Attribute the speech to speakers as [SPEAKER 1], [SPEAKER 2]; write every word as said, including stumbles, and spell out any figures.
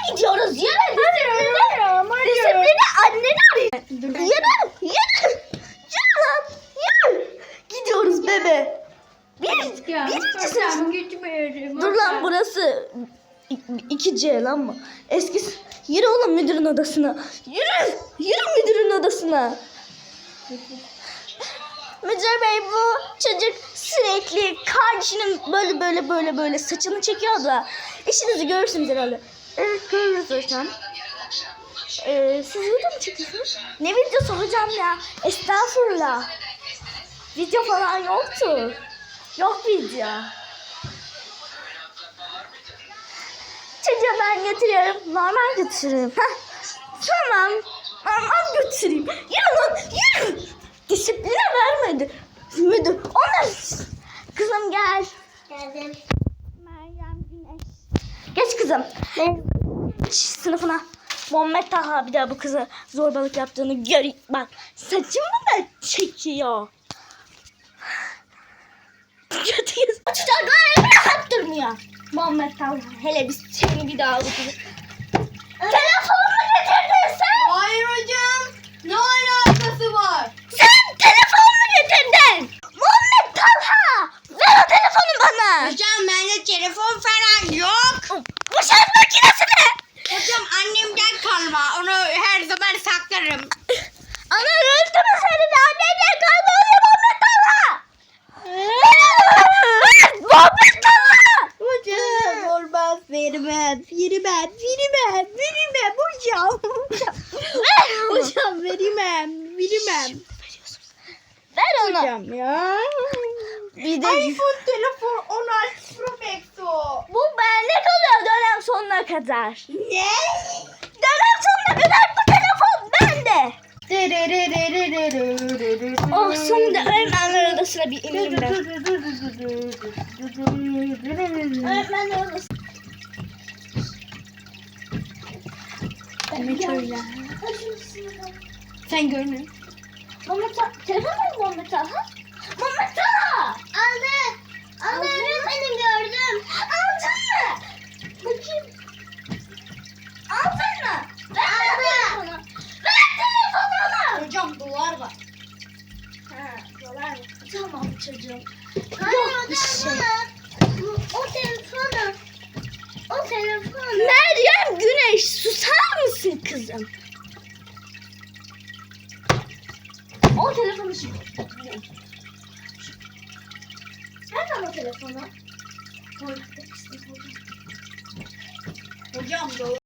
[SPEAKER 1] gidiyoruz. Yürü. Disipline. Disipline anneni arıyor. Yürü. Yürü. Yürü lan. Yürü. Gidiyoruz bebe. Bir, birinci sınıf. Dur lan burası iki C lan mı? Eski. Yürü oğlum müdürün odasına. Yürü. Yürü müdürün odasına. Müdür bey bu çocuk sürekli kardeşinin böyle böyle böyle böyle saçını çekiyor da işinizi görürsünüz herhalde. Evet görürüz hocam. Ee, siz video mu çekiyorsunuz? Ne videosu hocam ya? Estağfurullah. Video falan yoktu. Yok video. Çocuğa ben götürüyorum. Normal götürürüm. Heh. Tamam. Normal götüreyim. Yürü lan yürü. Disipline vermedi. Müdür. Onlar. Kızım gel.
[SPEAKER 2] Geldim.
[SPEAKER 1] Meryem Güneş. Geç kızım. Geç sınıfına. Muhammed Taha bir daha bu kıza zorbalık yaptığını gör. Bak saçımı da çekiyor. Kötüyüz. Çocuklar rahat durmuyor. Muhammed Taha hele biz seni bir daha bu kızı. Telefonunu getirdin sen.
[SPEAKER 2] Hayır hocam. Ne alakası var?
[SPEAKER 1] Sen telefonunu getirdin. Muhammed Talha. Ver o telefonu bana.
[SPEAKER 2] Hocam bende telefon falan yok.
[SPEAKER 1] Bu şarj makinesi ne?
[SPEAKER 2] Hocam annemden kalma. Onu her zaman saklarım.
[SPEAKER 1] Ana öldü mü senin annenden kalma oluyor Muhammed Talha. Muhammed Talha.
[SPEAKER 2] Hocam olmaz vermem. Vermem. Vermem. Vermem hocam. Hocam vermem. Vermem.
[SPEAKER 1] Ver onu.
[SPEAKER 2] Hocam ya.
[SPEAKER 1] Bir de
[SPEAKER 2] iPhone telefon on altı Pro Max o.
[SPEAKER 1] bu bende kalıyor dönem sonuna kadar.
[SPEAKER 2] Ne?
[SPEAKER 1] Dönem sonuna kadar bu telefon bende. Oh sonunda öğretmenler odasına bir ineyim ben. Öğretmenler odası.
[SPEAKER 2] Demek öyle. Sen görmüyorsun.
[SPEAKER 1] Muhammed Talha. Telefon mu Muhammed Talha? Muhammed Talha.
[SPEAKER 2] Aldı. Aldı öğretmenim gördüm.
[SPEAKER 1] Aldın mı? Bakayım. Aldın mı? Ver telefonu. Ver telefonunu.
[SPEAKER 2] Hocam dolar var.
[SPEAKER 1] Ha, dolar mı? Tamam çocuğum.
[SPEAKER 2] Hayır
[SPEAKER 1] Yok bir şey.
[SPEAKER 2] O telefonu. O telefonu.
[SPEAKER 1] Meryem Güneş susar mısın kızım? O telefonu şimdi. Nereden o telefonu?
[SPEAKER 2] Hocam dolar.